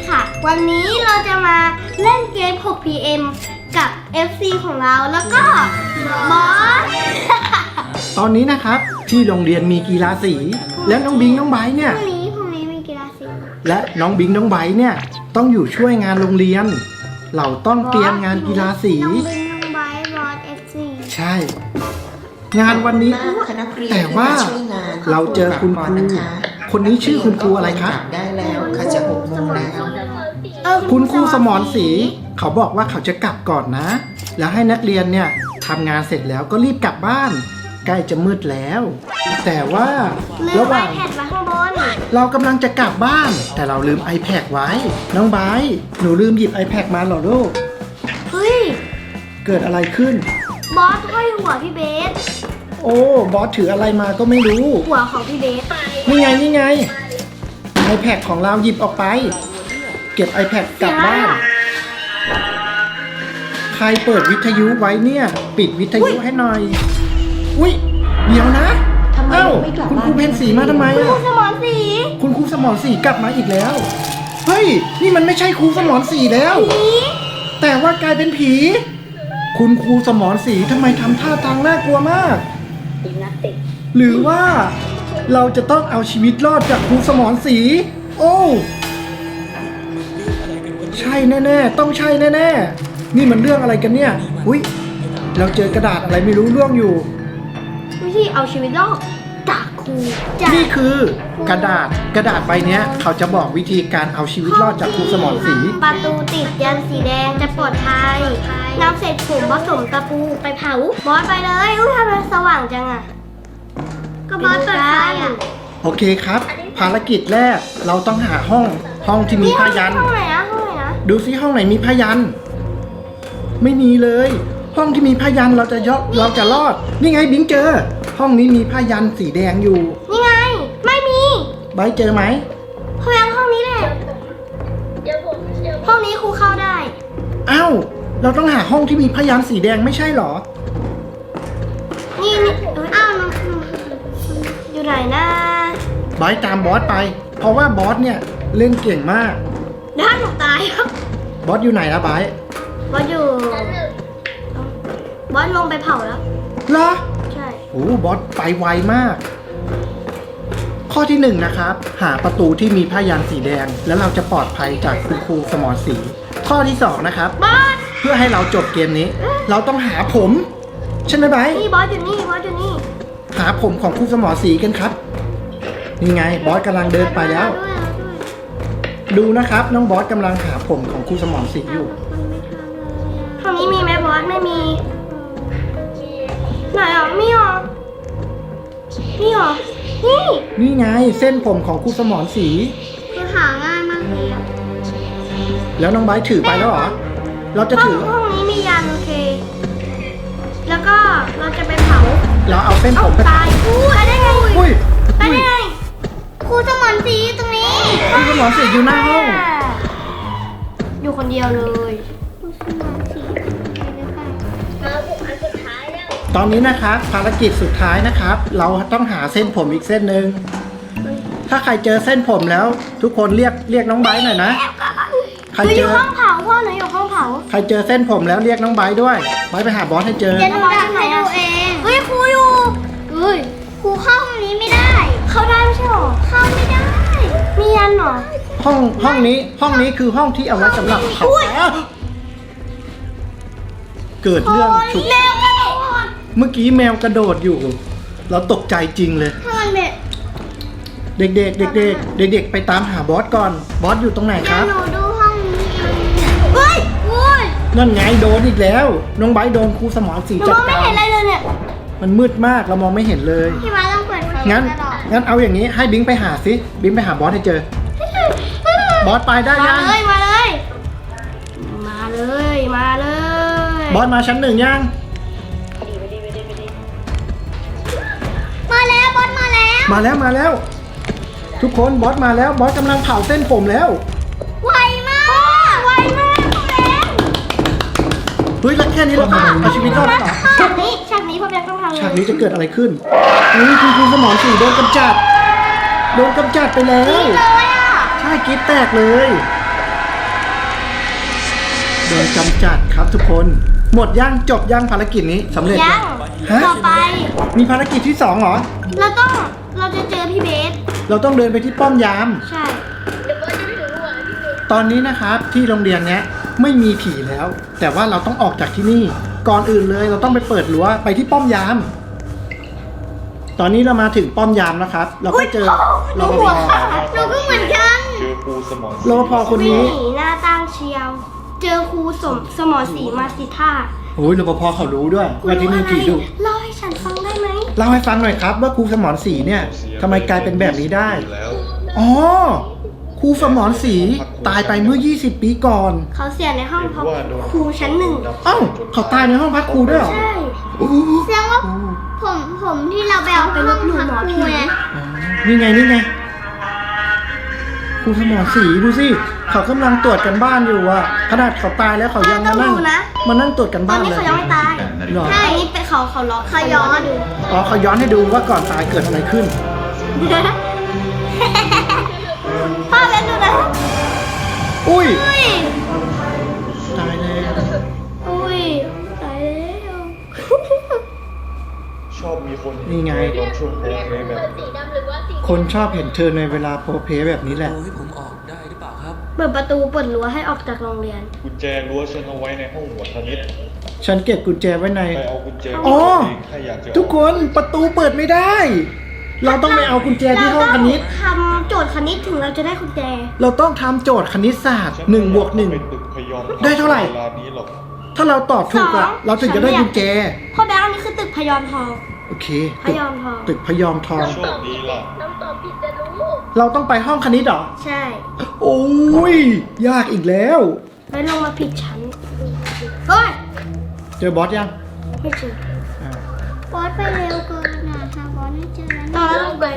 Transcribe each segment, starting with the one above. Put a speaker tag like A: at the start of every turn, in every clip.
A: ค่ะวันนี้เราจะมาเล่นเกม 6PM กับ FC ของเราแล้วก็บอส
B: ตอนนี้นะครับที่โรงเรียนมีกีฬาสี และน้องบิงน้องไบร์ทเนี่ย
A: พรุ่งนี้มีกีฬาสี
B: และน้องบิงน้องไบร์ทเนี่ยต้องอยู่ช่วยงานโรงเรียน เราต้องเตรียมงานกีฬาสี
A: น้องบินน้องไบร์ทบอส FC
B: ใช่ งานวันนี้แต่ว่าเราเจอคุณครูคนนี้ชื่อคุณครูอะไรคะ
C: ได้แล้วเขาจะ6 โมงแล้ว
B: คุณครูสมรศรีเขาบอกว่าเขาจะกลับก่อนนะ แล้วให้นักเรียนเนี่ยทำงานเสร็จแล้วก็รีบกลับบ้าน ใกล้จะมืดแล้ว แต่ว่า
A: ลื
B: ระ
A: ม
B: หว่าง
A: iPad มาข้างบน
B: เรากำลังจะกลับบ้าน แต่เราลืม iPad ไว้ น้องไบร์ทหนูลืมหยิบ iPad มาเหรอลูก
A: เฮ้ย
B: เกิดอะไรขึ้น
A: บอสห้อยหัวพี่เบส
B: โอ้บอสถืออะไรมาก็ไม่รู้
A: หัวของพี่เบส
B: นี่ไงนี่ไง iPad ของเราหยิบออกไป เก็บ iPad กลับบ้าน ใครเปิดวิทยุไว้เนี่ย ปิดวิทยุให้หน่อย อุ้ยเดี๋ยวนะ
C: ทำไม
B: เอ้า
C: ไม่กลับ
B: คุณ
C: บ้าน
B: ครูเพนสีมาทำไม
A: ครู
B: อ่ะ
A: สมรศรี
B: คุณครูสมรศรีกลับมาอีกแล้ว เฮ้ย นี่มันไม่ใช่ครูสมรศรีแล้ว
A: ผี
B: แต่ว่ากลายเป็นผี คุณครูสมรศรีทำไมทำท่าทางน่ากลัวมาก หรือว่าเราจะต้องเอาชีวิตรอดจากครูสมรศรีโอ้ใช่แน่ๆต้องใช่แน่ๆนี่มันเรื่องอะไรกันเนี่ยอุ้ยเราเจอกระดาษอะไรไม่รู้ร่วงอยู่
A: วิธีเอาชีวิตรอดจากครูจาก
B: นี่คือกระดาษใบเนี้ยเขาจะบอกวิธีการเอาชีวิตรอดจากครูสมรศรี
A: ประตูติดยันสีแดงจะปลอดภัยนำเศษผมผสมตะปูไปเผาบอสไปเลยอุ้ยทำไมสว่างจังอะก็บอสเปิดไฟอะ
B: โอเคครับ ภารกิจแรกเราต้องหาห้องที่มีผ้ายัน
A: ห้องไหนอะห้องไหนนะ
B: ดูซิห้องไหนมีผ้ายัน ไม่มีเลย ห้องที่มีผ้ายันเราจะรอด นี่ไงบิงเจอ ห้องนี้มีผ้ายันสีแดงอยู่
A: นี่ไงไม่มี
B: ไบร์ทเจอไหม
A: พยางห้องนี้แหละห้องนี้ครูเข้าได้
B: อ้าวเราต้องหาห้องที่มีผ้ายันสีแดงไม่ใช่เหรอ
A: นี่อ้าวน้องอยู่ไหนนะ
B: ไบร์ทตามบอสไป เพราะว่าบอสเนี่ยเล่นเก่งมาก
A: ด้านหนูตายครับ
B: บอสอยู่ไหนนะไบร์ท
A: บอสอยู่บอสลงไปเผาแล้ว
B: เหรอ
A: ใช่
B: โอ้บอสไปไวมาก ข้อที่หนึ่งนะครับ หาประตูที่มีผ้ายันสีแดง แล้วเราจะปลอดภัยจากคุณครูสมรศรีข้อที่สองนะครับ
A: บอส
B: เพื่อให้เราจบเกมนี้ เราต้องหาผมใช่ไหมไบร์ท
A: นี่บอสอยู่นี่บอสอยู่นี่
B: หาผมของครูสมรศรีกันครับ นี่ไงบอสกำลังเดินไปแล้ว ดูนะครับ น้องบอสกำลังหาผมของครูสมรศรีอยู่
A: ห้องนี้มีไหมบอสไม่มีไหนอ่ะมีหรอนี่หรอนี่
B: นี่ไงเส้นผมของครูสมรศรี
A: คือหาง่ายมากเลยอะ
B: แล้วน้องไบร์ทถือไปแล้วเหรอ เราจะถือ
A: ห้องนี้มียันโอเค แล้วก็เราจะไปเผา
B: เราเอาเส้น
A: เอ้า
B: ผมไป
A: ตายอู้ไปได้ไง
B: อุ้ย
A: ไป
B: อุ้ย
A: ได้ไงครูสมรศรีตรงนี้
B: ครูสมรศรีอยู่หน้าห้อง
A: อยู่คนเดียวเลย
B: ตอนนี้นะครับภารกิจสุดท้ายนะครับ เราต้องหาเส้นผมอีกเส้นหนึ่งถ้าใครเจอเส้นผมแล้ว ทุกคนเรียกน้องไบร์ทหน่อยนะ ใคร
A: หนูอ
B: เจอยู่
A: ห้องเผาพ่อหนูอยู่ห้องเผา
B: ใครเจอเส้นผมแล้วเรียกน้องไบร์ทด้วยไบร์ทไปหาบอสให้เจอ
A: เดี๋ยวหนูจะให้ดูเองเฮ้ยครูอยู่เฮ้ยครูเข้าห้องนี้ไม่ได้ เข้าได้ไม่ใช่หรอเข้าไม่ได้ มียันหรอ
B: ห้องนี้คือห้องที่เอาไว้สำหรับเผาเกิดเรื่องฉุก
A: แมวกระโดด
B: เมื่อกี้แมวกระโดดอยู่ เราตกใจจริงเลย
A: ทำไมเนี่ย
B: เด็กๆไปตามหาบอสก่อน บอสอยู่ตรงไหนครับ
A: หนูดูห้องนี้เฮ้ยโอ้ย
B: นั่นไงโดนอีกแล้ว น้องไบร์ทโดนครูสมรศรี
A: หนู
B: จั
A: ม
B: ด
A: องไม่
B: การ
A: เห็นอะไรเลยเนี่ย
B: มันมืดมากเรามองไม่เห็นเลย
A: พี่มาต้องเปิดไฟ
B: งั้นเอาอย่างนี้ให้บิงไปหาสิบิงไปหาบอสให้เจอ บอสไปได้
A: มา
B: ยัง
A: เลยมาเลยมาเลยมาเลย
B: บอสมาชั้นหนึ่งยัง
A: มาแล้วบอสมาแล้ว
B: มาแล้ว ทุกคนบอสมาแล้วบอสกำลังเผาเส้นผมแล้ว
A: ไวมากไวมากแมน
B: เฮ้ยแล้วแค่นี้เราเอาชีวิตรอดแล้วเหรอ
A: ฉากนี้พ่อแบงค์ต้องทำเลย
B: ฉากนี้จะเกิดอะไรขึ้นนี่คุณครูสมรศรีโดนกำจัดไปแล้ว
A: เลยอ่ะ
B: ใช่กรีดแตกเลย
A: เ
B: โดนกำจัดครับทุกคน หมดย่างจบย่างภารกิจนี้สำเร็จ
A: ยัง
B: ฮะ
A: ต่อไป
B: มีภารกิจที่2เหรอ
A: เราจะเจอพี่เบส
B: เราต้องเดินไปที่ป้อมยาม
A: ใช่
B: ตอนนี้นะครับที่โรงเรียนเนี้ยไม่มีผีแล้ว แต่ว่าเราต้องออกจากที่นี่ ก่อนอื่นเลยเราต้องไปเปิดรั้วไปที่ป้อมยาม ตอนนี้เรามาถึงป้อมยามแล้วครับ เราก็เจอ
A: ห
B: ร
A: นู
B: ป
A: หัว
B: ภ
A: หนูก็เหมือนกัน
D: เจอครูสมอน
B: รปภคน
A: วิ่ง
B: นี้
A: หนีหน้าตั้งเชียว เจอครูสมอสีมาสิท่า
B: โอ้ยรปภเขารู้ด้วยว่าที่นี่ผีดุ
A: เล่าให้ฉันฟังได้ไหม
B: เล่าให้ฟังหน่อยครับว่าครูสมรศรีเนี่ยทำไมกลายเป็นแบบนี้ได้
D: แล้ว
B: อ๋อครูสมรศรีตายไปเมื่อ 20 ปีก่อน
A: เขาเสียในห้องเพราะครูชั้นหนึ่ง
B: เอ้าเขาตายในห้องพักครูด้วยเหรอ
A: ใช่
B: โอ้โห
E: แสดงว่าผมที่เราไปเอาไปลบหลู่หมอผี
B: อ๋อนี่ไงนี่ไงครูสมรศรีดูสิเขากำลังตรวจกันบ้านอยู่อะขนาดเขาตายแล้วเขายังมานั่งตรวจกัน
A: ตอ
B: บ้าน น
A: นี้
B: เลย
A: เขายังไม่ตาย
B: เหรอ
A: ใช่นี่เป็นเขาล็อกเขาย้อนดู
B: อ๋อเขาย้อนให้ดูว่าก่อนตายเกิดอะไรขึ้น
A: พ่อเล่นดูนะ
B: อุ้ย
A: อุ้ย
B: ตายแล้ว
A: อุ้ยตายแล้ว
D: ชอบมีคน
B: นี่ไง
D: ตอนช่วงโพลเพลย์แบบ
E: สีดำหรือว่าสี
B: คนชอบเห็นเธอในเวลาโพเพแบบนี้แหละ
F: โอ้ให้ผมออกได้หรือเปล่าครับ
A: เปิดประตูเปิดรั้วให้ออกจากโรงเรียน
D: กุญแจรั้วฉันเอาไว้ในห้องหมวดคณิต
B: ฉันเก็บกุญแจไว้ใน
D: ไปเอากุญแจ
B: อ๋อ
D: เองถ้าอยากจะ
B: ทุกคนประตูเปิดไม่ได้ เราต้องไปเอากุญแจที่ห้องคณิต
A: ทำโจทย์คณิตถึงเราจะได้กุญแจ
B: เราต้องทำโจทย์คณิตศาสตร์1 บวก
D: ไปตึกพยอม
B: ได้เท่าไหร่
D: เวลานี้หรอก
B: 1ถ้าเราตอบถูกอะ
A: สอง
B: เราถึงจะได้กุญแจ
A: พ่อแบงค์อันนี้คือตึกพยอมทอง
B: โอเค
A: พยอมทอง
B: ตึกพยอมทอง
D: โชคดีล่ะ
E: ต้องตอบผิดจะรู้
B: เราต้องไปห้องคณิตเหรอ
A: ใช่
B: โอ้ย ยากอีกแล้ว
A: แล้วลงมาผิดชั้นเฮ้ย
B: เจอบอสยัง
A: ไม่เจอ
B: อ่า
E: บอสไปเร็วเกินนะหาบอสไม่เจอแล้ว
A: ตอนนั้นลงไป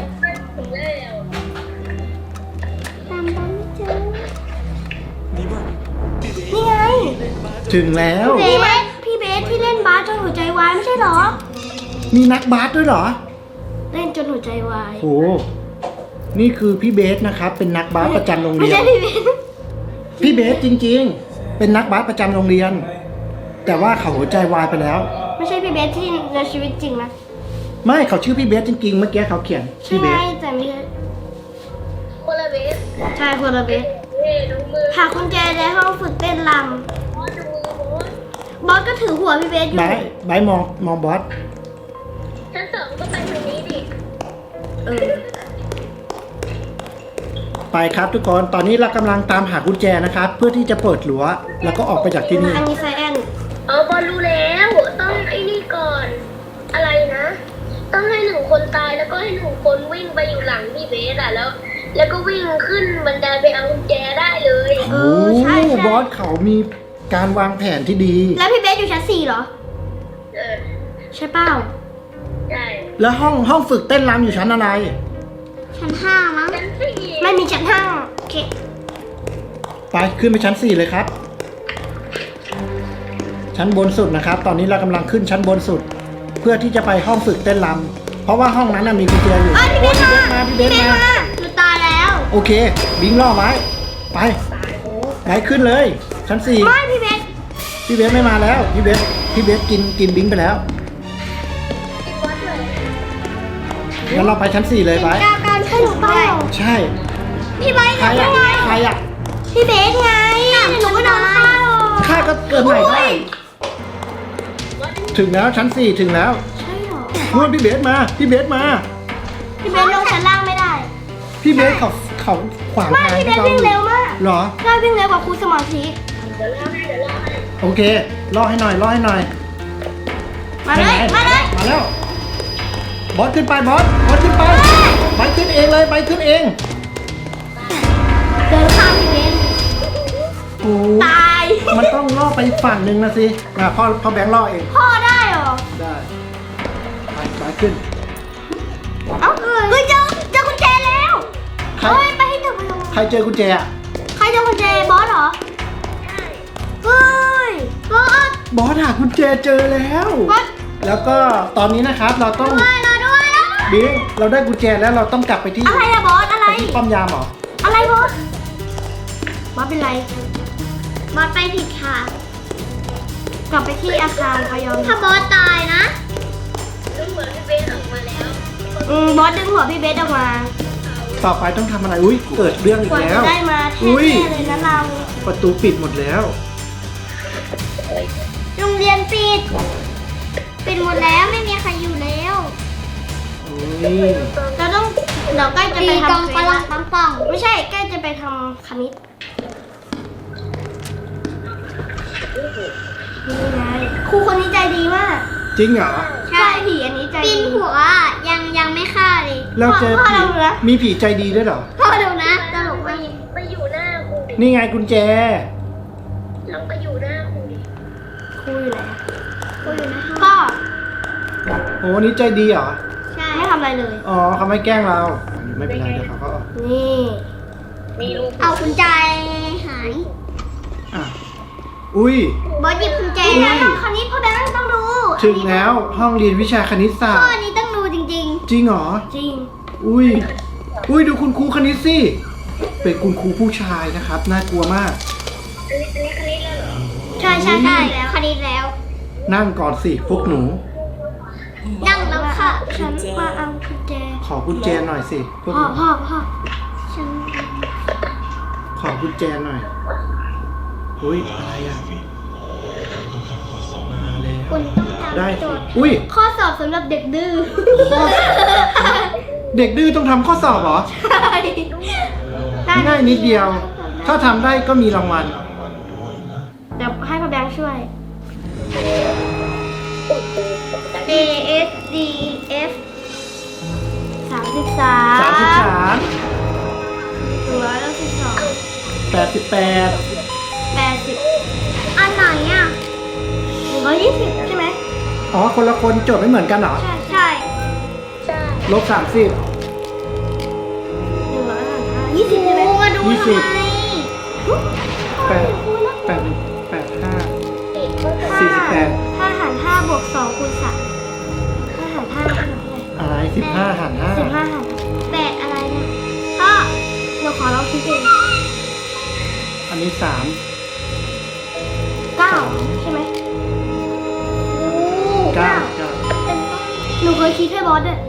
E: ตามบอสไม่เจอ
A: นี่ไง
B: ถึงแล้ว
A: พี่เบสพี่เบสที่เล่นบาสจนหัวใจวายไม่ใช่เหรอ
B: มีนักบาสด้วยเหรอ
A: เล่นจนหัวใจวาย
B: โห นี่คือพี่เบสนะครับ เป็นนักบาสประจำโรง
A: ไม่
B: เรีย
A: ใช่
B: น
A: พี่เบส
B: พี่เบสจริงๆ เป็นนักบาสประจำโรงเรียน แต่ว่าเขาหัวใจวายไปแล้ว
A: ไม่ใช่พี่เบสที่ในชีวิตจริงนะ
B: ไม่เขาชื่อพี่เบสจริงๆ เมื่อกี้เขาเขียน
A: ใช่
B: พี่เบส
A: แต่ไม่ใช่
E: คนละเบส
A: ใช่คนละเบส
E: เฮ้ดูมือ
A: หากุญแจในห้องฝึกเต้นร
E: บอสดูมือบอส
A: ำบอสก็ถือหัวพี่เบสอยู่
B: ไบร์ทมองบอส
E: ชั้นสองก็ไปทางนี้ดิ
A: เออ
B: ไปครับทุกคน ตอนนี้เรากำลังตามหากุญแจนะครับ เพื่อที่จะเปิดรั้วแล้วก็ออกไปจากที่นี่
A: อันนี้ไซแอน
E: บอสรู้แล้วต้องไอ้นี่ก่อน อะไรนะ ต้องให้หนึ่งคนตายแล้วก็ให้หนึ่งคนวิ่งไปอยู่หลังพี่เบสอะแล้วก็วิ่งขึ้นบันไดไปเอากุญแจได้เลย
B: โอ้บอสเขามีการวางแผนที่ดี
A: แล้วพี่เบสอยู่ชั้น4เหรอ
E: เออ
A: ใช่เปล่า
E: ใช่
B: แล้วห้องฝึกเต้นรำอยู่ชั้นอะไร
A: ชั้น5มั้ง
E: ชั้นสี่
A: ไม่มีชั้น5โอเค
B: ไปขึ้นไปชั้น 4 เลยครับ ชั้นบนสุดนะครับ ตอนนี้เรากำลังขึ้นชั้นบนสุด เพื่อที่จะไปห้องฝึกเต้นรำเพราะว่าห้องนั้นนะมีกุญแจอยู่
A: เอ้ยพี่เบสมา
B: พี่เบสมา
A: หนูตายแล้ว
B: โอเค บิงล่อไว้ไปไหนขึ้นเลย ชั้น
A: ไม่พี่เบส
B: 4พี่เบสไม่มาแล้วพี่เบสกินบิงไปแล้ว
E: ที่วัดเลย
B: งั้นเราไปชั้น 4 เลยไป
A: กล้าการให้หนูเปล่า
B: ใช่
A: พี่เบส
B: ใคร
A: ยั
B: อะ
A: งไง
B: ใครอะ
A: พี่เบสไงหนูก็โดนฆ่าหรอก
B: ข้าก็เกิดใหม่ได้ ถึงแล้วชั้น 4 ถึงแล้ว
A: ใช่เหรอ
B: นู่นพี่เบสมา พี่เบสมา
A: พี่เบสลงชั้นล่างไม่ได้
B: พี่เบสเขาขวาง
A: ไม่
B: ทาง
A: พี่เบ
B: ให้
A: ส
B: เรา
A: วิ่งเร็วมาก
B: เหรอ
A: ใช่วิ่งเร็วกว่าครูสมอสี
E: เดี๋ยวเล่าให้
B: โอเคล่อให้หน่อย
A: มาเลย
B: ไหน
A: มาเลย
B: มาแล้ว บอสขึ้นไปบอสขึ้นไปไปขึ้นเองเลยไปขึ้นเอง
A: เดินข้ามพี่เบส
B: โอ้
A: ตาย
B: มันต้องล่อไปอีกฝั่งหนึ่งนะสิพ่อแบงค์ล่อเอง
A: พ่อได้เหรอ
B: ได้ไปขึ้น
A: เอ้าเฮ้ยเจอกุญแจแล้ว
B: ใคร
A: เฮ้ยไปให้ถึงไปลง
B: ใครเจอกุญแจอะ
A: ใครเจอกุญแจบอสเหรอเฮ้ยบอส
B: บอสหากุญแจเจอแล้ว
A: บอส
B: แล้วก็ตอนนี้นะครับเราต้อง
A: ด้วยเราด้วย
B: บิงเราได้กุญแจแล้วเราต้องกลับไปที่
A: อะไรอะบอสอะไร
B: ไปที่ป้อมยามเหรอ
A: อะไรบอสบอสเป็นไร
E: บอสไปผิดค่ะ
A: บกลับไปที่อาคารพยอม
G: ถ้าบอสตายนะ
E: ดูเหมือนพี่เบสออกมาแล้ว
A: บอสดึงหัวพี่เบสออกมา
B: ต่อไปต้องทำอะไรอุ้ยเกิดเรื่องอี
A: ก
B: ก
A: ว่า
B: แล้
A: จะ
B: ว
A: ได้มาแท้
B: อุ้ย
A: ๆเลยนะเรา
B: ประตูปิดหมดแล้ว
G: โรงเรียนปิดหมดแล้วไม่มีใครอยู่แล้ว
B: อุ้ย
A: เราใกล้จะ
G: ตี
A: ไป
G: กอง
A: ทำ
G: ปลังปังปัง
A: ไม่ใช่ใกล้จะไปทำคณิตนี่ไงครูคนนี้ใจดีมาก
B: จริงเหรอ
A: ใช่ผีอันนี้ใจ
G: ปี
A: ดี
G: นหัวยังไม่ฆ่าเลย
B: เราเจอ
A: พ่อ
B: ผี
A: เราเหรอ
B: มีผีใจดีด้วยเหรอ
G: พ่อดูนะตลก
E: ไป
G: มาก
E: ไปอยู่หน้าครูดิ
B: นี่ไงกุญแจ
E: ลองไปอยู่หน้าครูดิ
A: ครูอยู่ไหน
G: คุยอยู่นะ
A: ก็
B: โอ้นี่ใจดีเหรอ
G: ใช่
A: ไม่ทำอะไรเลย
B: อ๋อเขาไม่แกล้งเรา ไม่เป็นไรเดี๋ยวเขาก็
A: นี่
E: มีรูป
G: เอากุญแจหาย
B: อ่ะอุ้ย
G: บอสหยิบกุญแจ
A: นี่ไง
G: นะ
A: ห้องคณิตพ่อแบงค์ต้องดู
B: ถึงแล้วห้องเรียนวิชาคณิตศาสต
G: ข้อ
B: ร์
G: นี้ต้องดูจริง
B: จริงเหรอ
A: จริง
B: อุ้ย อุ้ยดูคุณครูคณิตสิ เป็นคุณครูผู้ชายนะครับ น่ากลัวมาก
E: อันนี้คณิตแล้วเหรอ
G: ๆ ใช่แล้วคดีแล้ว
B: นั่งก่อนสิพวกหนู
G: นั่งแล้วค่ะ
A: ฉันมาเอากุญแจ
B: ขอกุญแจหน่อยสิพวกห
A: พ่อ
B: นู
A: พ่อ
G: ฉัน
B: ขอกุญแจหน่อยอุ้ยอะไรอ่ะ มาแล้ว
G: คุณต้อง
B: ได้
G: ทำโจ
B: สิ
G: ทย์
B: อุ้ย
A: ข้อสอบสำหรับเด็กดื้อ
B: เด็กดื้อต้องทำข้อสอบเหรอ ง่ายนิดเดียว ถ้าทำได้ก็มีรางวัล
A: เดี๋ยวให้พ่อแบงค์ช่วย
G: A S D F
A: 33
B: 33
A: 162
B: 88
A: 80
G: อันไหนอ่ะ
A: 120ใช่ไหม
B: อ๋อ คนละคนโจทย์ไม่เหมือนกันเหรอ
A: ใช่
G: ใช่
E: ใช่
B: ลบ30
A: 135 20ใช่ไหม
G: ครูมาดู
B: ยี่
G: ทำ
B: สิบ
G: ไม
B: 8 85 48
A: 5หาร5บวก2คูณ3 5หาร5เท่าไหร่
B: อะไร15หาร
A: 15หาร
G: 8อะไรเนี่ยพ่อ
A: เราขอลองคิดเอง
B: 5อันนี้3
A: 9ใช่ไหม
B: 9
G: เป็นต้น
A: หนูเคยคิดให้บอสด้วย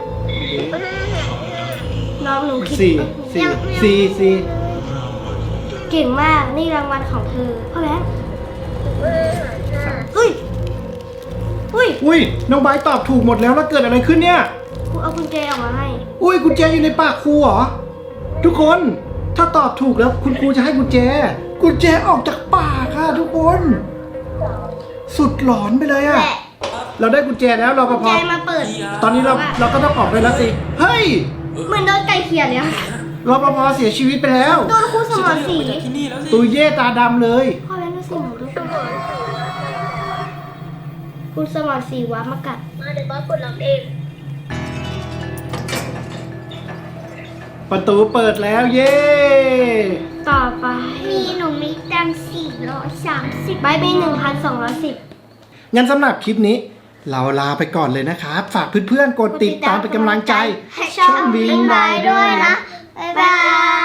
A: น้องหนูคิด
B: 4
A: เก่งมาก นี่รางวัลของเธอพ่อแบงค์
B: 4
A: อุ้ย อุ้ย
B: อุ้ย น้องไบร์ทตอบถูกหมดแล้วแล้วเกิดอะไรขึ้นเนี่ย
A: ครูเอากุญแจออกมาให้
B: อุ้ยกุญแจอยู่ในปากครูเหรอ ทุกคนถ้าตอบถูกแล้วคุณครูจะให้กุญแจ กุญแจออกจากปากค่ะทุกคน สุดหลอนไปเลยอะ
A: แหละ
B: เราได้กุญแจแล้วเราก็
A: กุญ
B: พ
A: แจ
B: อ
A: มาเปิด
B: ตอนนี้เราก็ต้องออกไปแล้วสิ เฮ้ย
A: เหมือนโดนไก่เขียนเลยอะ
B: รปภเสียชีวิตไปแล้ว
A: โดนครูสมรศรี
F: จากที่นี่แล้วสิ
B: ตุยเย่ตาดำเลย
A: พ่อแบงค์ดูสิหนูดูครูสมรศรีวัดมากัด
E: มาเดี๋ยวบอสกดล็อกเอง
B: ประตูเปิดแล้วเย่
A: ต่อไป
G: หนูมีตังค์430
A: ใบมี1,210
B: งั้นสำหรับคลิปนี้ เราลาไปก่อนเลยนะครับ ฝากเพื่อนๆกดติดตามเป็นกำลังใจ
A: ให้ช่อง
B: Bing
A: บิงไบ
B: Bye
A: ด้วยนะ
G: บ๊ายบาย